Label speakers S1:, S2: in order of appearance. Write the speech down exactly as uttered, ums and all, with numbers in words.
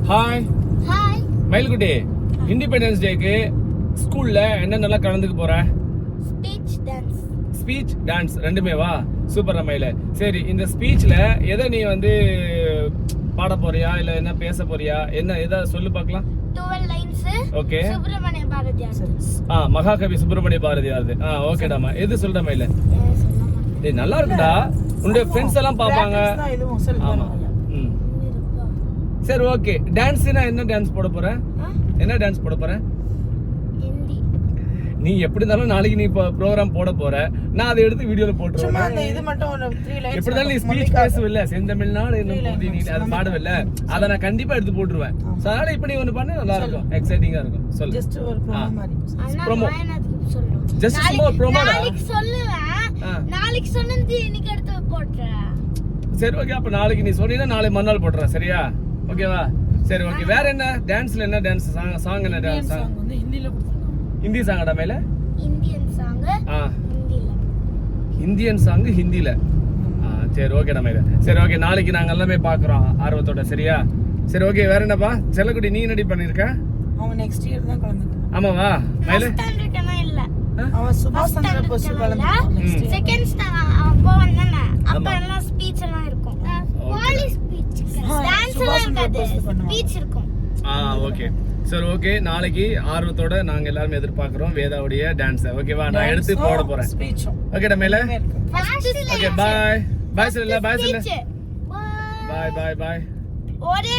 S1: Hi
S2: hi
S1: மயில்குட்டி, independence டேக்கு ஸ்கூல்ல என்னென்னலாம் கலந்துக்க போற?
S2: ஸ்பீச் டான்ஸ்
S1: ஸ்பீச் டான்ஸ் ரெண்டுமே வா. சூப்பர் மயில. சரி, இந்த ஸ்பீச்ல எதை நீ வந்து பாட போறியா இல்ல என்ன பேச போறியா? என்ன எதை சொல்லு பார்க்கலாம்.
S2: பன்னிரண்டு லைன்ஸ்.
S1: ஓகே.
S2: சுப்பிரமணிய பாரதியார்.
S1: ஆ, மகாகவி சுப்பிரமணிய பாரதியார். ஆ, ஓகேடாமா. எது சொல்ற மயில? டேய் நல்லா இருக்குடா. உங்க ஃப்ரெண்ட்ஸ் எல்லாம் பாப்பாங்க. ஆமா. ம். சரி, ஓகே. டான்ஸ்னா என்ன டான்ஸ் போட போற? என்ன டான்ஸ் போட போற?
S2: ஹிந்தி.
S1: நீ எப்படி இருந்தாலும் நாளைக்கு நீ ப்ரோகிராம் போட போற. நான் அதை எடுத்து வீடியோல போட்டுருவேன்.
S3: சும்மா அந்த இது மட்டும் ஒரு மூன்று லைன்ஸ்.
S1: எப்படி இருந்தாலும் நீ ஸ்பீச் பேசுவல்ல, செந்தமிழ்நாடு என்னும் போதி நீ அதை பாடுவல்ல, அதை நான் கண்டிப்பா எடுத்து போட்டுருவேன். சோ அதனால இப்ப நீ ஒன்னு பண்ணு, நல்லா இருக்கும், எக்ஸைட்டிங்கா இருக்கும். சொல்லு.
S3: ஜஸ்ட் ஒரு ப்ரோமோ மாதிரி.
S1: ப்ரோமோ.
S2: சொல்லணும்.
S1: ஜஸ்ட் சும்மா ப்ரோமோ.
S2: நாளைக்கு சொல்லுவேன். நாளைக்கு சொன்னது இன்னைக்கு எடுத்து போட்றேன்.
S1: சரி, ஓகே. அப்ப நாளைக்கு நீ சொன்னீனா நாளை மறுநாள் போட்டுறேன். சரியா? ஓகேவா? சரி, ஓகே. வேற என்ன டான்ஸ்ல என்ன டான்ஸ்? சாங் சாங் என்ன டான்ஸ்?
S3: சாங் வந்து ஹிந்தில கொடுத்திருக்காங்க.
S1: ஹிந்தி சாங்கடா மேல?
S2: Indian song.
S1: ஆ,
S2: ஹிந்தில.
S1: இந்தியன் சாங் ஹிந்தில. ஆ, சரி, ஓகேடா மேல. சரி, ஓகே. நாளைக்கு நாங்க எல்லாமே பாக்குறோம் ஆர்வத்தோட. சரியா? சரி, ஓகே. வேற என்னப்பா? செல்லக்குடி, நீ என்னடி பண்ணிருக்க?
S3: அவன் நெக்ஸ்ட் இயர் தான் கலந்துட்டான்.
S1: ஆமாவா மேல?
S2: ஸ்டாண்டர்ட்னா இல்ல.
S3: அவன் சுபாஷ் சந்திர போஸ் கலந்துட்டான்.
S2: செகண்ட் ஸ்டாண்டர்ட் அப்போ வந்தானே. அப்ப எல்லாம் ஸ்பீச் எல்லாம் இருக்கும். Police speech. டான்ஸ் எல்லாம் இருக்காது. ஸ்பீச் இருக்கும்.
S1: ஆ, ஓகே. சரி, ஓகே. நாளைக்கு ஆர்வத்தோட நாங்க எல்லாரும் எதிர்பார்க்கிறோம் வேதாவுடைய டான்ஸ். ஓகேவா? நான் எடுத்து போட போறேன்.
S3: ஸ்பீச்சும்
S1: ஓகேடா மேல?
S2: First
S1: okay, bye. பை சொல்லல, பை சொல்லல.
S2: ஸ்பீச்.
S1: Bye bye bye.
S2: ஒரே